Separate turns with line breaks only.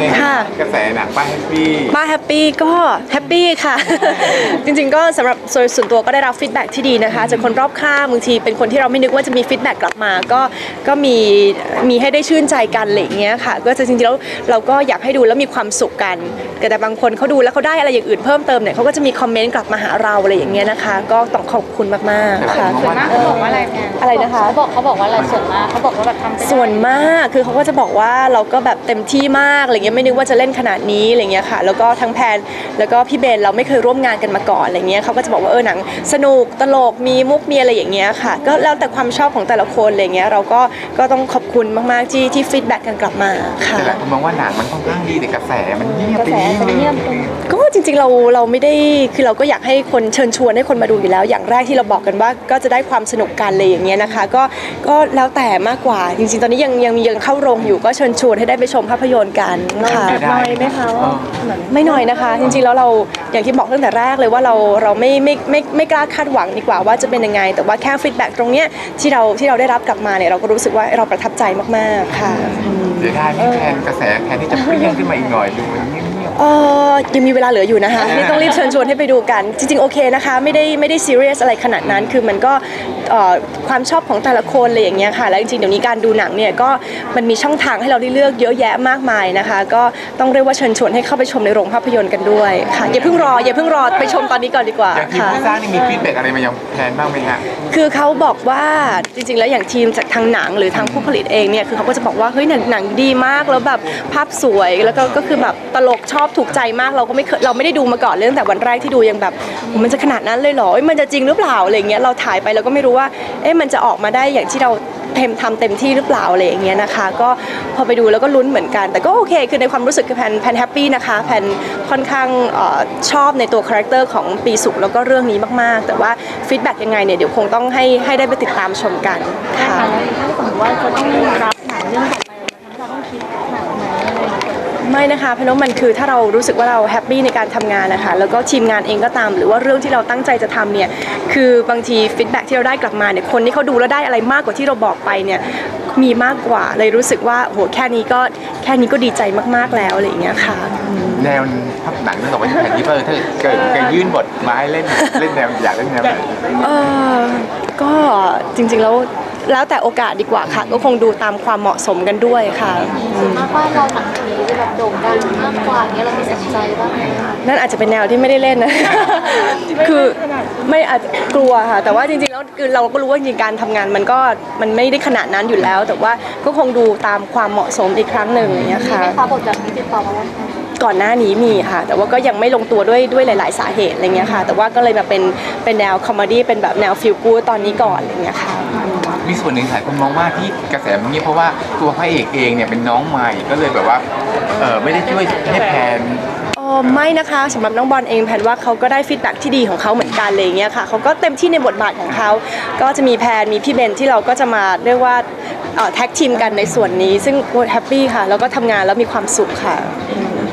กระแสหนังป้าแฮปปี้
ก็แฮปปี้ค่ะ จริงๆก็สำหรับส่วนตัวก็ได้รับฟีดแบ็กที่ดีนะคะจากคนรอบข้างบางทีเป็นคนที่เราไม่นึกว่าจะมีฟีดแบ็กกลับมาก็มีให้ได้ชื่นใจกันอะไรอย่างเงี้ยค่ะก็จะจริงๆแล้วเราก็อยากให้ดูแล้วมีความสุขกันแต่บางคนเขาดูแล้วเขาได้อะไรอย่างอื่นเพิ่มเติมเนี่ยเขาก็จะมีคอมเมนต์กลับมาหาเราอะไรอย่างเงี้ยนะคะก็ต้องขอบคุณมากๆค่ะ
ส่วนมากเขาบอกว่าอะไร
นะคะ
เขาบอกว่าอะไรส่วนมากเขาบอกว่าแบบทำ
ส่วนมากคือเขาก็จะบอกว่าเราก็แบบเต็มที่มากอะไรเงี้ยไม่นึกว่าจะเล่นขนาดนี้อะไรเงี้ยค่ะแล้วก็ทั้งแพนแล้วก็พี่เบนเราไม่เคยร่วมงานกันมาก่อนอะไรเงี้ยเขาก็จะบอกว่าหนังสนุกตลกมีมุกมีอะไรอย่างเงี้ยค่ะก็แล้วแต่ความชอบของแต่ละคนอะไรเงี้ยเราก็ต้องขอบคุณมากๆที่ฟีดแบ็กกันกลับมาค่ะ
แต่หลายคนมองว่าหนังมันค่อนข้างดีแต่กระแสมันเงียบไปนิดนึง
ก็จริงๆเราไม่ได้คือเราก็อยากให้คนเชิญชวนให้คนมาดูอยู่แล้วอย่างแรกที่เราบอกกันว่าก็จะได้ความสนุกกันเลยอย่างเงี้ยนะคะก็แล้วแต่มากกว่าจริงๆตอนนี้ยังเข้าโรงอยู่ก็เชิญชวนให้ได้ไปชมภาพยนตร์กันค่ะ
น้อยไหมคะว่า
ไม่น้อยนะคะจริงๆแล้วเราอย่างที่บอกตั้งแต่แรกเลยว่าเราไม่กล้าคาดหวังดีกว่าว่าจะเป็นยังไงแต่ว่าแค่ฟีดแบ็กตรงเนี้ยที่เราได้รับกลับมาเนี่ยเราก็รู้สึกว่าเราประทับใจมากๆค่ะ
เดี๋ยวได้พี่แทนกระแสแทนที่จะเปรี้ยงขึ้นมาอีกหน่อยดูมันเงียบ
ยังมีเวลาเหลืออยู่นะคะนี่ต้องรีบเชิญชวนให้ไปดูกันจริงๆโอเคนะคะไม่ได้ซีเรียสอะไรขนาดนั้นคือมันก็ความชอบของแต่ละคนอะไรอย่างเงี้ยค่ะแล้วจริงๆเดี๋ยวนี้การดูหนังเนี่ยก็มันมีช่องทางให้เราได้เลือกเยอะแยะมากมายนะคะก็ต้องเรียกว่าเชิญชวนให้เข้าไปชมในโรงภาพยนตร์กันด้วยค่ะอย่าเพิ่งรอไปชมตอนนี้ก่อนดีกว่า
อย่างทีมผู้สร้างนี่มีฟีดแบ็กอะไรมายังแทนบ้างไหมฮะ
คือเขาบอกว่าจริงๆแล้วอย่างทีมจากทางหนังหรือทางผู้ผลิตเองเนี่ยคือเขาก็จะบอกว่าเฮ้ยหนังดีมากแล้วแบบภาพสวยแล้วก็คือแบบตลกชอบถูกใจมากเราไม่ได้ดูมาก่อนเลยตั้งแต่วันแรกที่ดูยังแบบมันจะขนาดนั้นเลยเหรอมันจะจริงหรือเปล่าอะไรเงี้ยเราถ่ายไปเราก็ไม่รู้ว่ามันจะออกมาได้อย่างที่เราทำเต็มที่หรือเปล่าอะไรอย่างเงี้ยนะคะก็พอไปดูแล้วก็ลุ้นเหมือนกันแต่ก็โอเคคือในความรู้สึกคือแพนแฮปปี้นะคะแพนค่อนข้างชอบในตัวคาแรคเตอร์ของปีสุขแล้วก็เรื่องนี้มากๆแต่ว่าฟีดแบ็กยังไงเนี่ยเดี๋ยวคงต้องให้ได้ไปติดตามชมกันค่ะ
ถ้าสมมติว่าจะต้องรับหนังเรื่องต่อไปเราต้องคิดหนักไหม
ไม่นะคะเพราะว่ามันคือถ้าเรารู้สึกว่าเราแฮปปี้ในการทำงานนะคะแล้วก็ทีมงานเองก็ตามหรือว่าเรื่องที่เราตั้งใจจะทำเนี่ยคือบางทีฟีดแบ็กที่เราได้กลับมาเนี่ยคนที่เขาดูแล้วได้อะไรมากกว่าที่เราบอกไปเนี่ยมีมากกว่าเลยรู้สึกว่าโหแค่นี้ก็ดีใจมากๆแล้วอะไรอย่างเงี้ยค่ะ
แนวภาพหนังเรื่องต่อไปที่แทนที่ถ้าเกิดยื่นบทมาให้เล่นแนวอยากเล่นแนวไหน
ก็จริงๆแล้วแต่โอกาสดีกว่าค่ะก็คงดูตามความเหมาะสมกันด้วยค่ะ
ส่วนมากว่าเราหนังผีแบบโด่งดังมากกว่านี้เรามีสนใจบ้างไหม
นั่นอาจจะเป็นแนวที่ไม่ได้เล่นนะ คือไม่อาจจะกลัวค่ะแต่ว่าจริงๆแล้วคือเราก็รู้ว่าจริงๆการทำงานมันไม่ได้ขนาดนั้นอยู่แล้วแต่ว่าก็คงดูตามความเหมาะสมอีกครั้งหนึ่งอย่างเงี้ยค่ะ
บทแบบนี้ติดต่อมาว่า
ก่อนหน้านี้มีค่ะแต่ว่าก็ยังไม่ลงตัวด้วยหลายๆสาเหตุอะไรเงี้ยค่ะแต่ว่าก็เลยมาเป็นแนวคอมเมดี้เป็นแบบแนวฟีลกู๊ดตอนนี้ก่อนอะไรเงี้ยค่ะ
มีส่วนหนึ่งหลายคนมองว่าที่กระแสมันเงียบเพราะว่าตัวพระเอกเองเนี่ยเป็นน้องใหม่ก็เลยแบบว่าไม่ได้ช่วยให้แพน
ไม่นะคะสำหรับน้องบอลเองแพนว่าเขาก็ได้ฟีดแบ็กที่ดีของเขาเหมือนกันเลยเงี้ยค่ะเขาก็เต็มที่ในบทบาทของเขาก็จะมีแพนมีพี่เบนที่เราก็จะมาเรียกว่าแท็กทีมกันในส่วนนี้ซึ่งแฮปปี้ค่ะแล้วก็ทำงานแล้วมีความสุขค่ะ